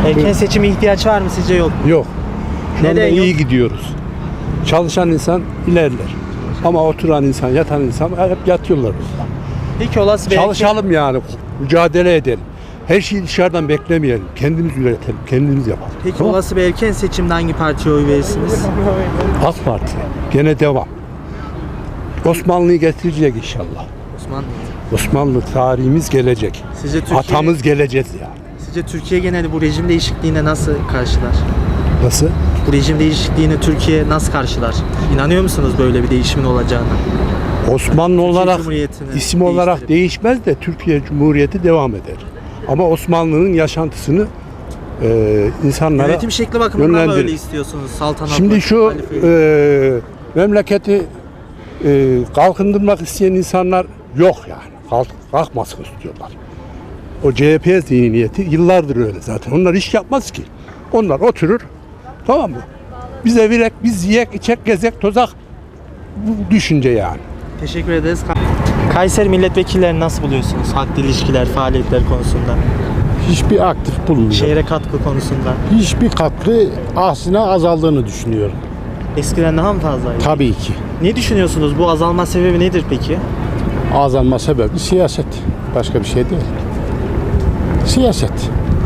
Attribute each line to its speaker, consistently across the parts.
Speaker 1: Erken seçime ihtiyaç var mı sizce, yok mu?
Speaker 2: Yok. Şu anda
Speaker 1: Neden
Speaker 2: iyi
Speaker 1: yok?
Speaker 2: gidiyoruz. Çalışan insan ilerler. Ama oturan insan, yatan insan hep yatıyorlar.
Speaker 1: Peki olası bir
Speaker 2: Çalışalım yani, mücadele edelim. Her şeyi dışarıdan beklemeyelim. Kendimiz üretelim, kendimiz yapalım.
Speaker 1: Peki
Speaker 2: Tamam.
Speaker 1: olası bir erken seçimde hangi partiye oy verirsiniz?
Speaker 2: AK Parti gene devam. Osmanlı'yı getirecek inşallah.
Speaker 1: Osmanlı.
Speaker 2: Osmanlı tarihimiz gelecek.
Speaker 1: Sizce Türkiye,
Speaker 2: Atamız geleceğiz yani.
Speaker 1: Sizce Türkiye geneli bu rejim değişikliğine nasıl karşılar?
Speaker 2: Nasıl?
Speaker 1: Bu rejim değişikliğini Türkiye nasıl karşılar? İnanıyor musunuz böyle bir değişimin olacağına?
Speaker 2: Osmanlı olarak,
Speaker 1: Cumhuriyeti'ni
Speaker 2: isim olarak
Speaker 1: değiştirip.
Speaker 2: değişmez de Türkiye Cumhuriyeti devam eder. Ama Osmanlı'nın yaşantısını insanlara
Speaker 1: Yönetim şekli bakımından mı
Speaker 2: yönlendirir.
Speaker 1: öyle istiyorsunuz? Saltanat,
Speaker 2: Şimdi şu
Speaker 1: halife.
Speaker 2: memleketi kalkındırmak isteyen insanlar yok yani. Kalkmasın istiyorlar. O CHP zihniyeti yıllardır öyle zaten. Onlar iş yapmaz ki. Onlar oturur, tamam mı? Bize virek, biz yiyek, içek, gezek, tozak. Bu düşünce yani.
Speaker 1: Teşekkür ederiz. Kayseri milletvekillerini nasıl buluyorsunuz? Halkla ilişkiler, faaliyetler konusunda,
Speaker 3: Hiçbir aktif bulunmuyor.
Speaker 1: şehre katkı konusunda.
Speaker 3: Hiçbir katkı aslında azaldığını düşünüyorum.
Speaker 1: Eskiden daha mı fazlaydı?
Speaker 3: Tabii ki.
Speaker 1: Ne düşünüyorsunuz? Bu azalma sebebi nedir peki?
Speaker 3: Azalma sebebi siyaset. Başka bir şey değil. Siyaset.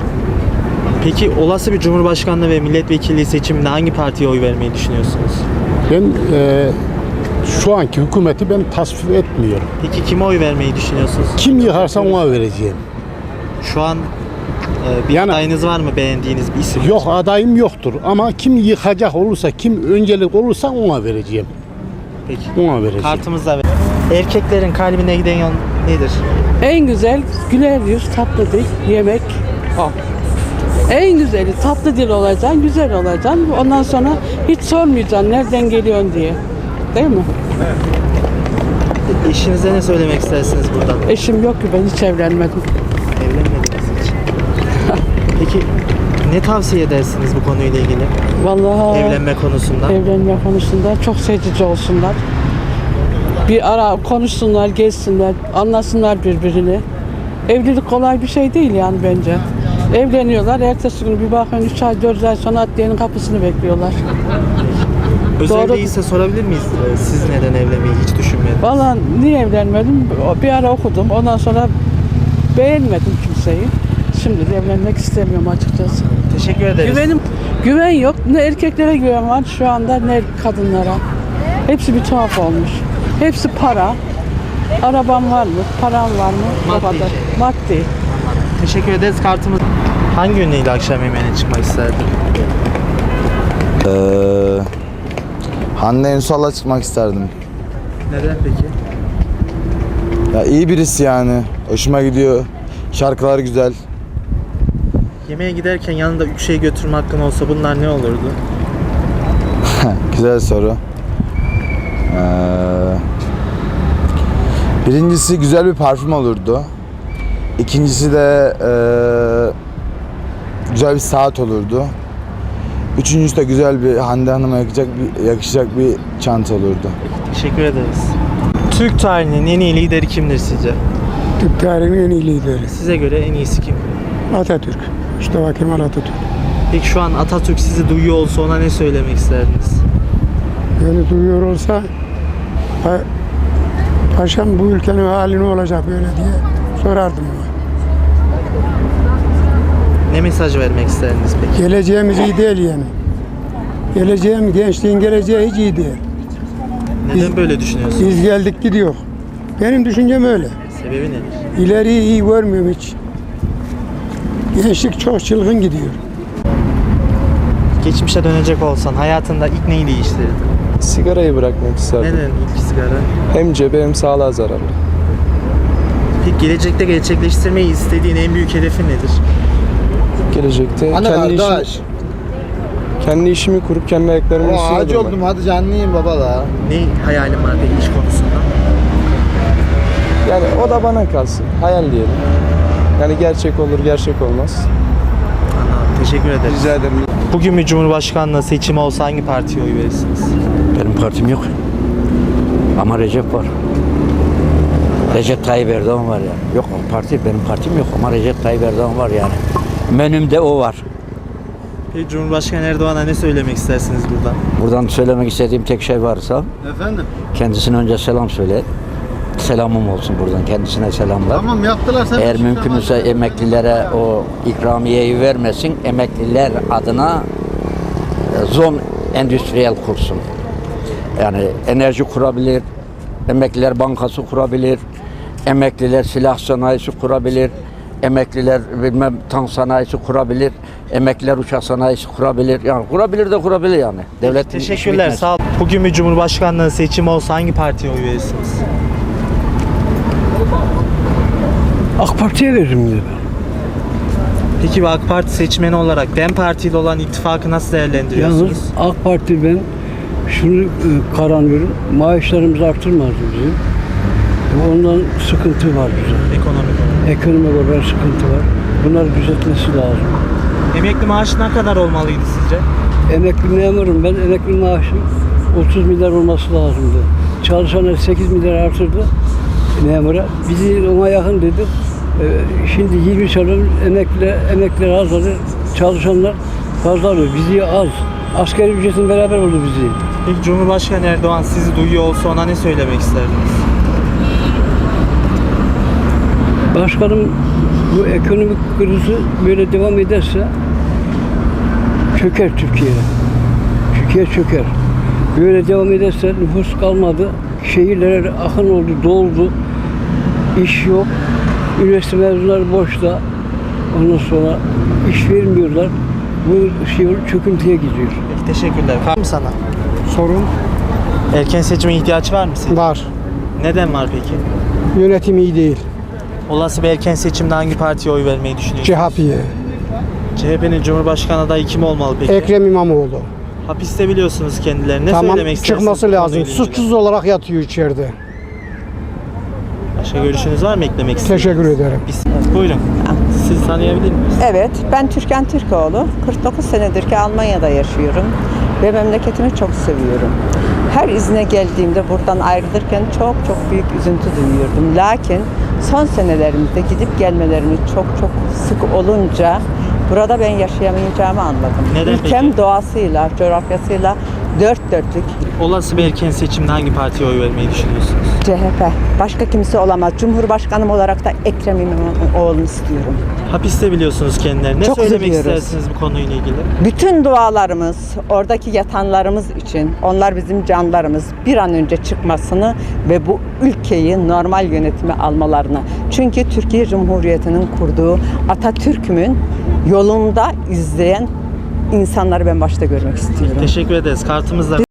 Speaker 1: Peki olası bir cumhurbaşkanlığı ve milletvekilliği seçiminde hangi partiye oy vermeyi düşünüyorsunuz?
Speaker 3: Ben şu anki hükümeti ben tasvip etmiyorum.
Speaker 1: Peki kime oy vermeyi düşünüyorsunuz?
Speaker 3: Kim yıkarsa ona vereceğim.
Speaker 1: Şu an bir
Speaker 3: Yani-
Speaker 1: adayınız var mı, beğendiğiniz bir isim?
Speaker 3: Yok, adayım yoktur ama kim yıkacak olursa, kim öncelik olursa ona vereceğim.
Speaker 1: Peki.
Speaker 3: Ona vereceğim.
Speaker 1: Kartımızda ver. Erkeklerin kalbine giden yol nedir?
Speaker 4: En güzel güler yüz, tatlı dil, yemek o. En güzeli tatlı dil olacaksın, güzel olacaksın. Ondan sonra hiç sormayacaksın nereden geliyorsun diye. Değil mi?
Speaker 1: Eşinize ne söylemek istersiniz buradan?
Speaker 4: Eşim yok ki, ben hiç evlenmedim.
Speaker 1: Evlenmediniz hiç. Peki ne tavsiye edersiniz bu konuyla ilgili?
Speaker 4: Vallahi
Speaker 1: Evlenme konusunda.
Speaker 4: evlenme konusunda çok seçici olsunlar. Bir ara konuşsunlar, gezsinler, anlasınlar birbirini. Evlilik kolay bir şey değil yani bence. Evleniyorlar, ertesi gün bir bakın 3 ay 4 ay sonra adliyenin kapısını bekliyorlar.
Speaker 1: Özel
Speaker 4: Doğru.
Speaker 1: değilse sorabilir miyiz? Siz neden evlenmeyi hiç düşünmediniz?
Speaker 4: Vallahi niye evlenmedim? Bir ara okudum, ondan sonra beğenmedim kimseyi. Şimdi de evlenmek istemiyorum açıkçası.
Speaker 1: Teşekkür ederiz.
Speaker 4: Güven yok. Ne erkeklere güven var şu anda, ne kadınlara. Hepsi bir tuhaf olmuş. Hepsi para. Araban var mı? Paran var mı? O
Speaker 1: Maddi
Speaker 4: kadar.
Speaker 1: şey.
Speaker 4: Maddi.
Speaker 1: Teşekkür ederiz. Kartımız. Hangi ünlüyle akşam yemeğine çıkmak isterdin?
Speaker 5: Hande Ünsal'la çıkmak isterdim.
Speaker 1: Neden peki?
Speaker 5: Ya iyi birisi yani. Hoşuma gidiyor. Şarkılar güzel.
Speaker 1: Yemeğe giderken yanında 3 şey götürme hakkın olsa bunlar ne olurdu?
Speaker 5: Güzel soru. Birincisi güzel bir parfüm olurdu. İkincisi de güzel bir saat olurdu. Üçüncüsü de güzel bir Hande Hanım'a yakışacak bir çanta olurdu.
Speaker 1: Teşekkür ederiz. Türk tarihinin en iyi lideri kimdir sizce?
Speaker 6: Türk tarihinin en iyi lideri
Speaker 1: Size göre en iyisi kim?
Speaker 6: Atatürk. Mustafa Kemal Atatürk.
Speaker 1: Peki şu an Atatürk sizi duyuyor olsa ona ne söylemek isterdiniz?
Speaker 6: Beni duyuyor olsa paşam bu ülkenin hali ne olacak böyle diye sorardım ona.
Speaker 1: Ne mesaj vermek isterdiniz peki?
Speaker 6: Geleceğimiz iyi değil yani. Gençliğin geleceği hiç iyi değil.
Speaker 1: Neden böyle düşünüyorsunuz?
Speaker 6: Biz geldik gidiyor. Benim düşüncem öyle.
Speaker 1: Sebebi nedir?
Speaker 6: İleriyi iyi görmüyorum hiç. Gençlik çok çılgın gidiyor.
Speaker 1: Geçmişe dönecek olsan hayatında ilk neyi değiştirirdin?
Speaker 7: Sigarayı bırakmak isterdim.
Speaker 1: Neden ilk sigara?
Speaker 7: Hem cebe hem sağlığa zararlı.
Speaker 1: Peki gelecekte gerçekleştirmeyi istediğin en büyük hedefin nedir?
Speaker 7: Gelecekte kendi işimi kurup kendi ayaklarımın üstünde durmak.
Speaker 5: hadi canlıyım baba da.
Speaker 1: Ne hayalin var peki iş konusunda?
Speaker 7: Yani o da bana kalsın. Hayal diyelim. Yani gerçek olur, gerçek olmaz.
Speaker 1: Anladım. Teşekkür ederim.
Speaker 7: Rica ederim.
Speaker 1: Bugün bir cumhurbaşkanlığı seçimi olsa hangi partiye oy verirsiniz?
Speaker 8: Benim partim yok. Ama Recep var. Recep Tayyip Erdoğan var yani. Yok parti, benim partim yok ama Recep Tayyip Erdoğan var yani. Menümde o var.
Speaker 1: Peki Cumhurbaşkanı Erdoğan'a ne söylemek istersiniz buradan?
Speaker 8: Buradan söylemek istediğim tek şey varsa kendisine önce selam söyle. Selamım olsun buradan. Kendisine selamlar.
Speaker 9: Tamam yaptılar sen.
Speaker 8: Eğer mümkünse emeklilere o ikramiyeyi vermesin. Emekliler adına zon endüstriyel kursun. Yani enerji kurabilir, emekliler bankası kurabilir, emekliler silah sanayisi kurabilir, emekliler bilmem tank sanayisi kurabilir, emekliler uçak sanayisi kurabilir. Yani kurabilir yani. Devlet
Speaker 1: Teşekkürler. Sağ olun. Bugün bir Cumhurbaşkanlığı seçimi olsa hangi partiye oy verirsiniz?
Speaker 6: AK Parti'ye veririm yine ben.
Speaker 1: Peki bir AK Parti seçmeni olarak DEM Parti ile olan ittifakı nasıl değerlendiriyorsunuz?
Speaker 6: Yalnız AK Parti ben şunu karanlıyorum. Maaşlarımızı artırmazdı bizim. Ondan sıkıntı var bize.
Speaker 1: Ekonomik olarak.
Speaker 6: Ekonomik olarak sıkıntı var. Bunları düzeltmesi lazım.
Speaker 1: Emekli maaşı ne kadar olmalıydı sizce?
Speaker 6: Emekli memurum ben. Emekli maaşım 30 milyar olması lazımdı. Çalışanlar 8 milyar artırdı memura. Bizi ona yakın dedi. Şimdi 20 çalışan emekliler az alır. Çalışanlar fazla alıyor. Bizi az. Asgari ücretin beraber oldu bizi.
Speaker 1: Peki Cumhurbaşkanı Erdoğan sizi duyuyor olsa ona ne söylemek isterdiniz?
Speaker 6: Başkanım bu ekonomik krizi böyle devam ederse çöker Türkiye. Türkiye çöker. Böyle devam ederse nüfus kalmadı. Şehirlere akın oldu, doldu. İş yok. Üniversite mezunları boşta. Ondan sonra iş vermiyorlar. Bu şey çöküntüye gidiyor.
Speaker 1: Peki teşekkürler. Var mı sana?
Speaker 6: Sorun
Speaker 1: Erken seçime ihtiyaç var mı sizce?
Speaker 6: var.
Speaker 1: Neden var peki?
Speaker 6: Yönetim iyi değil.
Speaker 1: Olası bir erken seçimde hangi partiye oy vermeyi düşünüyorsunuz?
Speaker 6: CHP'ye.
Speaker 1: CHP'nin Cumhurbaşkanı adayı kim olmalı peki?
Speaker 6: Ekrem İmamoğlu.
Speaker 1: Hapiste biliyorsunuz kendilerini. Ne
Speaker 6: Tamam,
Speaker 1: söylemek istersiniz?
Speaker 6: çıkması
Speaker 1: bu
Speaker 6: lazım.
Speaker 1: konuyla ilgili?
Speaker 6: Suçsuz olarak yatıyor içeride.
Speaker 1: Başka görüşünüz var mı eklemek istediğiniz?
Speaker 6: Teşekkür ederim.
Speaker 1: Buyurun. Siz tanıyabilir miyiz?
Speaker 10: Evet, ben Türkan Türkoğlu. 49 senedir ki Almanya'da yaşıyorum ve memleketimi çok seviyorum. Her izne geldiğimde buradan ayrılırken çok büyük üzüntü duyuyordum. Lakin son senelerimizde gidip gelmelerimiz çok sık olunca burada ben yaşayamayacağımı anladım.
Speaker 1: Neden
Speaker 10: Ülkem
Speaker 1: peki?
Speaker 10: doğasıyla, coğrafyasıyla dört dörtlük.
Speaker 1: Olası bir erken seçimde hangi partiye oy vermeyi düşünüyorsunuz?
Speaker 10: CHP. Başka kimse olamaz. Cumhurbaşkanım olarak da Ekrem İmamoğlu'nu istiyorum.
Speaker 1: Hapiste biliyorsunuz kendilerini. Ne
Speaker 10: Çok
Speaker 1: söylemek
Speaker 10: üzülüyoruz.
Speaker 1: istersiniz bu konuyla ilgili?
Speaker 10: Bütün dualarımız, oradaki yatanlarımız için, onlar bizim canlarımız, bir an önce çıkmasını ve bu ülkeyi normal yönetime almalarını. Çünkü Türkiye Cumhuriyeti'nin kurduğu Atatürk'ümün yolunda izleyen insanları ben başta görmek istiyorum.
Speaker 1: Teşekkür ederiz. Kartımızla